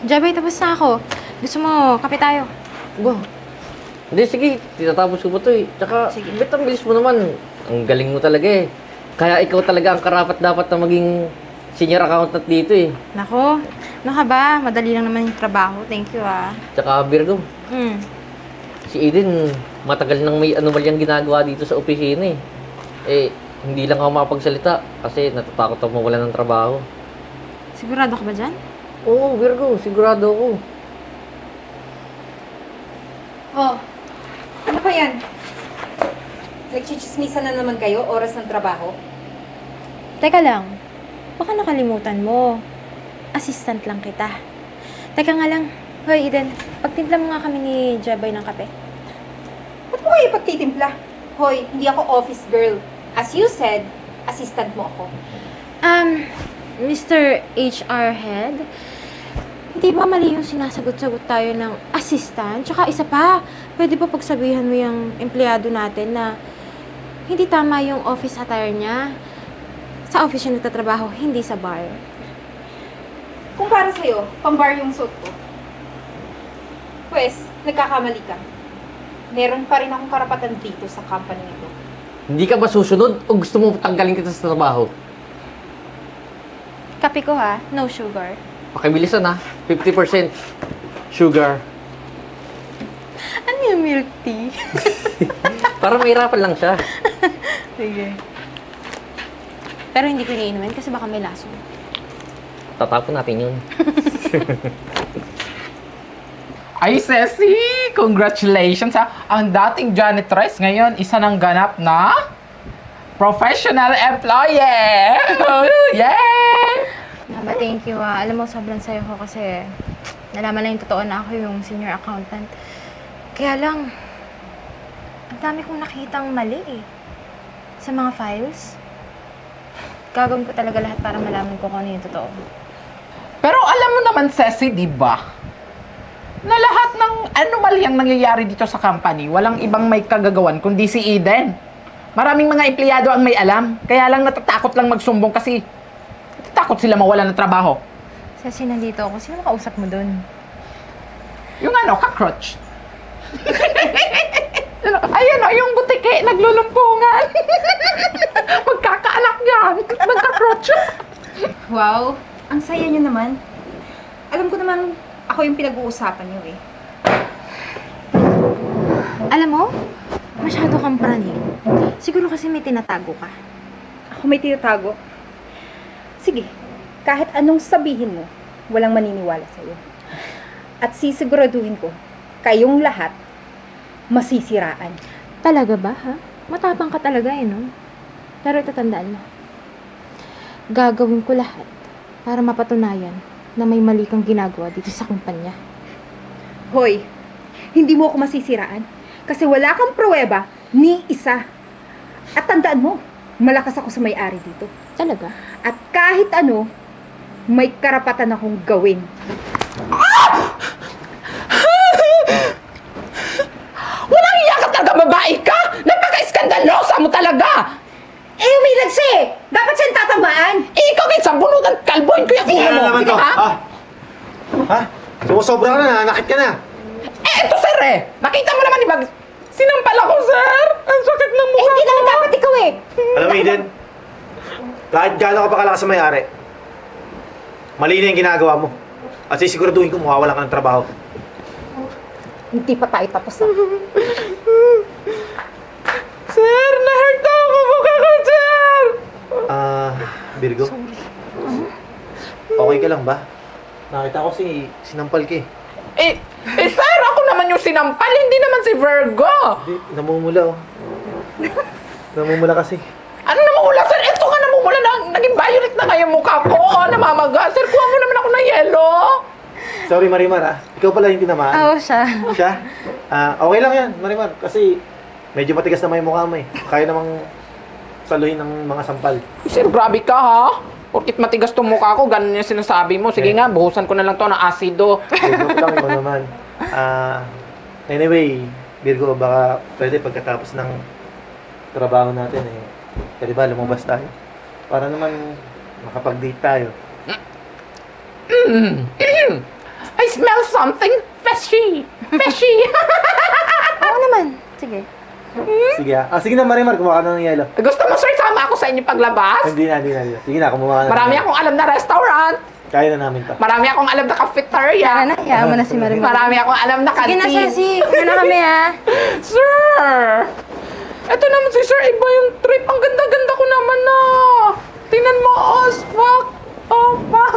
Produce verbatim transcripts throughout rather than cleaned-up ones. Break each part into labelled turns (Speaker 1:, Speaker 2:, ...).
Speaker 1: Jabay, tapos na ako. Gusto mo, kape tayo?
Speaker 2: Ba? Hindi, sige. Tinatapos ko pa to eh. Tsaka,
Speaker 1: Sige.
Speaker 2: bet ang bilis mo naman. Ang galing mo talaga eh. Kaya ikaw talaga ang karapat dapat na maging senior accountant dito eh.
Speaker 1: Nako, ano ka ba? Madali lang naman yung trabaho. Thank you, ah.
Speaker 2: Tsaka, Virgo,
Speaker 1: Hmm.
Speaker 2: si Eden, matagal nang may anomalyang ginagawa dito sa opisina eh. Eh, hindi lang ako makapagsalita kasi natatakot ako mawalan ng trabaho.
Speaker 1: Sigurado ka ba dyan?
Speaker 2: Oo, Virgo, sigurado ako.
Speaker 3: Oh, ano pa yan? Nagchichismisan na naman kayo, oras ng trabaho?
Speaker 1: Teka lang. Baka nakalimutan mo. Assistant lang kita. Teka nga lang. Hoy, Eden, pagtimpla mo nga kami ni Jabay ng kape.
Speaker 3: Ba't mo kayo pagtitimpla? Hoy, hindi ako office girl. As you said, assistant mo ako.
Speaker 1: Um, Mister H R Head, hindi ba mali yung sinasagot-sagot tayo ng assistant? Tsaka isa pa, pwede ba pagsabihan mo yung empleyado natin na hindi tama yung office attire niya? Sa office siya nagtatrabaho, hindi sa bar.
Speaker 3: Kung para sa'yo, pang-bar yung suit ko. Pwes, nagkakamali ka. Meron pa rin akong karapatan dito sa company nito.
Speaker 2: Hindi ka ba susunod o gusto mo tanggalin kita sa trabaho?
Speaker 1: Kape ko ha, no sugar.
Speaker 2: Pakibilisan ha, fifty percent sugar.
Speaker 1: Ano yung milk tea?
Speaker 2: Para mahirapan lang siya.
Speaker 1: Sige. Pero hindi ko iniinumin kasi baka may laso.
Speaker 2: Tatapon natin yun.
Speaker 4: Ay, Ceci! Congratulations ha! Ang dating janitress ngayon, isa ng ganap na professional employee! Yay!
Speaker 1: Aba, thank you ah. Alam mo, sobrang sayo ko kasi nalaman na yung totoo na ako yung senior accountant. Kaya lang, ang dami kong nakitang mali eh. Sa mga files. Gagawin ko talaga lahat para malaman ko kung ano yung totoo.
Speaker 4: Pero alam mo naman, Ceci, di ba? Na lahat ng anomalyang nangyayari dito sa company, walang ibang may kagagawan kundi si Eden. Maraming mga empleyado ang may alam, kaya lang natatakot lang magsumbong kasi natatakot sila mawalan ng trabaho.
Speaker 1: Kasi nandito ako. Sino makausap mo dun?
Speaker 4: Yung ano, cockroach. Ayan o, yung butike, naglulumpungan. Magkakaanak yan. Nagka-cockroach.
Speaker 3: Wow, ang saya nyo naman. Alam ko naman, ako yung pinag-uusapan nyo eh.
Speaker 1: Alam mo, masyado kang praning. Siguro kasi may tinatago ka.
Speaker 3: Ako may tinatago. Sige, kahit anong sabihin mo, walang maniniwala sa'yo. At sisiguraduhin ko, kayong lahat, masisiraan.
Speaker 1: Talaga ba, ha? Matapang ka talaga eh, no? Pero ito tandaan mo. Gagawin ko lahat para mapatunayan na may mali kang ginagawa dito sa kumpanya.
Speaker 3: Hoy, hindi mo ako masisiraan. Kasi wala kang pruweba ni isa. At tandaan mo, malakas ako sa may-ari dito.
Speaker 1: Talaga?
Speaker 3: At kahit ano, may karapatan akong gawin.
Speaker 4: Walang iya ka talaga, babae ka! Napaka-iskandalosa mo talaga!
Speaker 3: Eh, umilag siya eh! Dapat siyang tatamaan!
Speaker 4: Eh, ikaw kayo sa bunutan, kalboin ko yung ulo
Speaker 5: Ano
Speaker 4: mo.
Speaker 5: naman
Speaker 4: Sige
Speaker 5: to?
Speaker 4: ba?
Speaker 5: Ha? Ha? Sumusobra ka na, nanakit ka na.
Speaker 4: Eh, ito sir eh. Nakita mo naman, di ba? Sinampal ako, sir. Ang sakit ng
Speaker 3: Eh,
Speaker 4: mukha
Speaker 3: hindi
Speaker 4: ko.
Speaker 3: naman dapat ikaw eh!
Speaker 5: Alam mo, Eden, kahit gaano ka pa kalakas sa may-ari, mali na yung ginagawa mo. At sisiguraduhin ko, mawawalan ka ng trabaho.
Speaker 3: Hindi pa tayo tapos ah.
Speaker 4: Sir, na-hurt ako mukha ko, sir.
Speaker 5: Ah, Virgo? Okay ka lang ba? Nakita ko si sinampal ka eh.
Speaker 4: Eh, eh, sir, ako naman yung sinampal, hindi naman si Virgo.
Speaker 5: Hindi, namumula oh. Namumula kasi.
Speaker 4: Ano namumula, sir? Ito nga namumula na, naging violet na nga yung mukha ko. Oh, namamaga. Sir, kuha mo naman ako ng yelo.
Speaker 5: Sorry, Marimar ah. Ikaw pala yung tinamaan.
Speaker 1: Oo, siya.
Speaker 5: Siya? Ah, okay lang yan, Marimar. Kasi medyo matigas naman yung mukha mo eh. Kaya namang saluhin ng mga sampal.
Speaker 4: Sir, grabe ka, ha? Porkit matigas tong mukha ko, ganun yung sinasabi mo. Sige
Speaker 5: Eh.
Speaker 4: nga, buhusan ko na lang to ng asido.
Speaker 5: Joke lang, ikaw naman. Ah, anyway, Virgo, baka pwede pagkatapos ng trabaho natin eh. Pwede ba lumabas tayo? Para naman makapag-date tayo.
Speaker 4: Ay, smell something fishy. Fishy.
Speaker 1: Oo naman. Sige.
Speaker 5: Sige ah. Ah, sige na Marimar, kumuha ka na ng yelo.
Speaker 4: Gusto mo, sir, sama ako sa inyo paglabas?
Speaker 5: Hindi na, hindi na. hindi na. Sige na, kumuha ka na.
Speaker 4: Marami akong alam na restaurant.
Speaker 5: Kaya na namin to.
Speaker 4: Marami akong alam na cafeteria.
Speaker 1: Tara na, hayaan mo na si Marimar.
Speaker 4: Marami akong alam na
Speaker 1: Sige na,
Speaker 4: canteen.
Speaker 1: Ceci. Una na kami, ha?
Speaker 4: Sir! Eto naman si Sir, iba yung trip. Ang ganda-ganda ko naman na. Tingnan mo, oh, fuck. Oh, fuck.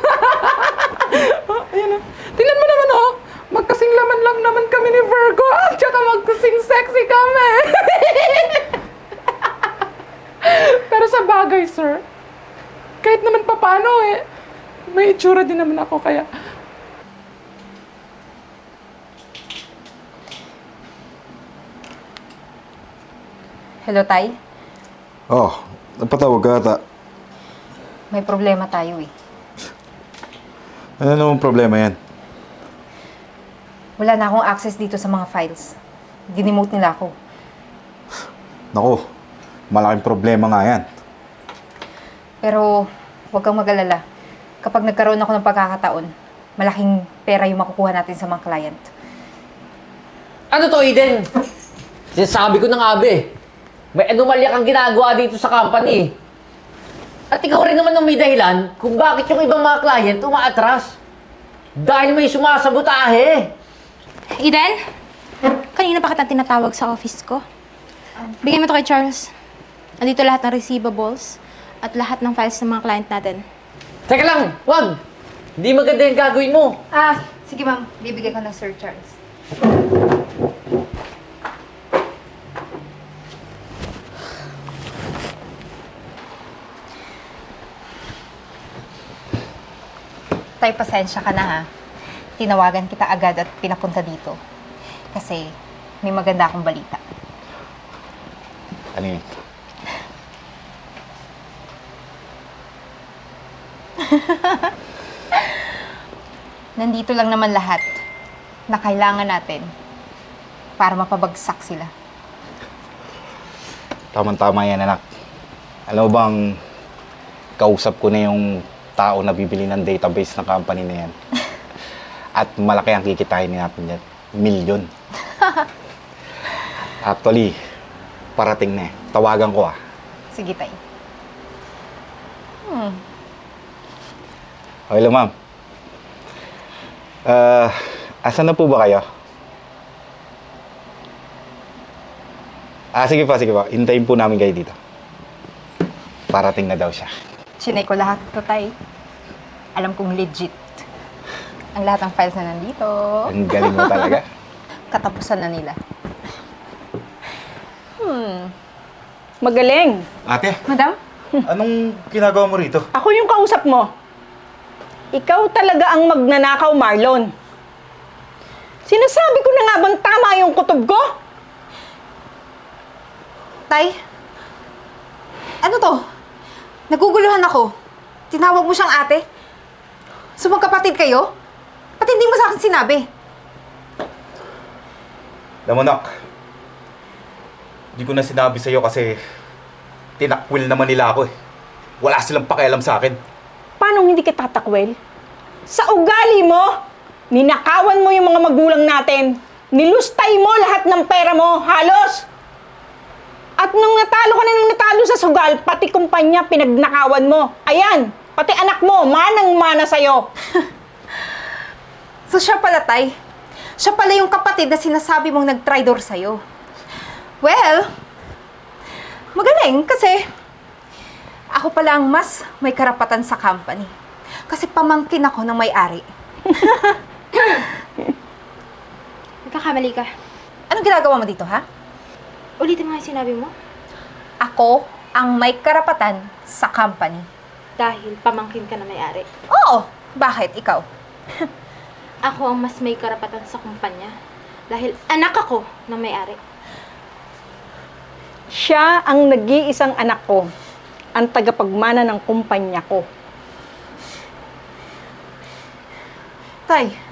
Speaker 4: Ayan na. Tingnan mo naman, oh. Magkasing laman lang naman kami ni Virgo. At saka magkasing sexy kami. Pero sa bagay, sir, kahit naman papano eh, may itsura din naman ako kaya.
Speaker 3: Hello, Tay.
Speaker 6: Oh, napatawag ka ata.
Speaker 3: May problema tayo eh.
Speaker 6: Ano namang problema yan?
Speaker 3: Wala na akong access dito sa mga files. Dinemote nila ako.
Speaker 6: Naku, malaking problema nga yan.
Speaker 3: Pero huwag kang mag-alala. Kapag nagkaroon ako ng pagkakataon, malaking pera yung makukuha natin sa mga client.
Speaker 2: Ano to, Eden? Sinasabi ko na nga, be. May anomalya kang ginagawa dito sa company. At ikaw rin naman ang may dahilan kung bakit yung ibang mga client umaatras. Dahil may sumasabotahe.
Speaker 1: Eden? Kanina pa kita tinatawag sa office ko. Bigyan mo to kay Charles. Andito lahat ng receivables at lahat ng files ng mga client natin.
Speaker 2: Teka lang, wag! Hindi maganda yung gagawin mo.
Speaker 3: Ah, sige ma'am. Bibigay ko ng Sir Charles. Tay, pasensya ka na ha. Tinawagan kita agad at pinapunta dito. Kasi may maganda akong balita.
Speaker 6: Ano yun?
Speaker 3: Nandito lang naman lahat na kailangan natin para mapabagsak sila.
Speaker 6: Tama-tama yan, anak. Alam mo bang, kausap ko na yung tao na bibili ng database ng company na yan. At malaki ang kikitain natin yan. Milyon. Actually, parating na eh. Tawagan ko ah.
Speaker 3: Sige, tay. Hmm.
Speaker 6: Hello, ma'am. Ah, asan na po ba kayo? Ah, sige pa, sige pa. Hintayin po namin kayo dito. Parating na daw siya.
Speaker 3: Chinay ko lahat ito, tay. Alam kong legit. Ang lahat ng files na nandito.
Speaker 6: Ang galing mo talaga.
Speaker 3: Katapusan na nila. Hmm.
Speaker 7: Magaling.
Speaker 6: Ate,
Speaker 3: Madam?
Speaker 6: anong ginagawa mo rito?
Speaker 7: Ako yung kausap mo. Ikaw talaga ang magnanakaw, Marlon. Sinasabi ko na nga bang tama yung kutob ko?
Speaker 3: Tay? Ano to? Naguguluhan ako. Tinawag mo siyang ate? So magkapatid kayo? Ba't hindi mo sa akin sinabi?
Speaker 6: Alam mo, Nak, di ko na sinabi sa'yo kasi tinakwil naman nila ako eh. Wala silang pakialam sa akin.
Speaker 7: Paano hindi kita tatakwil? Sa ugali mo, ninakawan mo yung mga magulang natin. Nilustay mo lahat ng pera mo, halos. At nung natalo ka na nung natalo sa sugal, pati kumpanya pinagnakawan mo. Ayan, pati anak mo, manang-mana sa'yo.
Speaker 3: So siya pala, Tay. Siya pala yung kapatid na sinasabi mong nag-tridor sa'yo. Well, magaling kasi ako pala ang mas may karapatan sa company. Kasi pamangkin ako ng may-ari.
Speaker 1: Nagkakamali ka.
Speaker 3: Anong ginagawa mo dito, ha?
Speaker 1: Ulitin mo nga yung sinabi mo.
Speaker 3: Ako ang may karapatan sa company.
Speaker 1: Dahil pamangkin ka na may-ari.
Speaker 3: Oo! Bakit? Ikaw?
Speaker 1: Ako ang mas may karapatan sa kumpanya. Dahil anak ako ng may-ari.
Speaker 7: Siya ang nag-iisang anak ko. Ang tagapagmana ng kumpanya ko.
Speaker 3: Tay,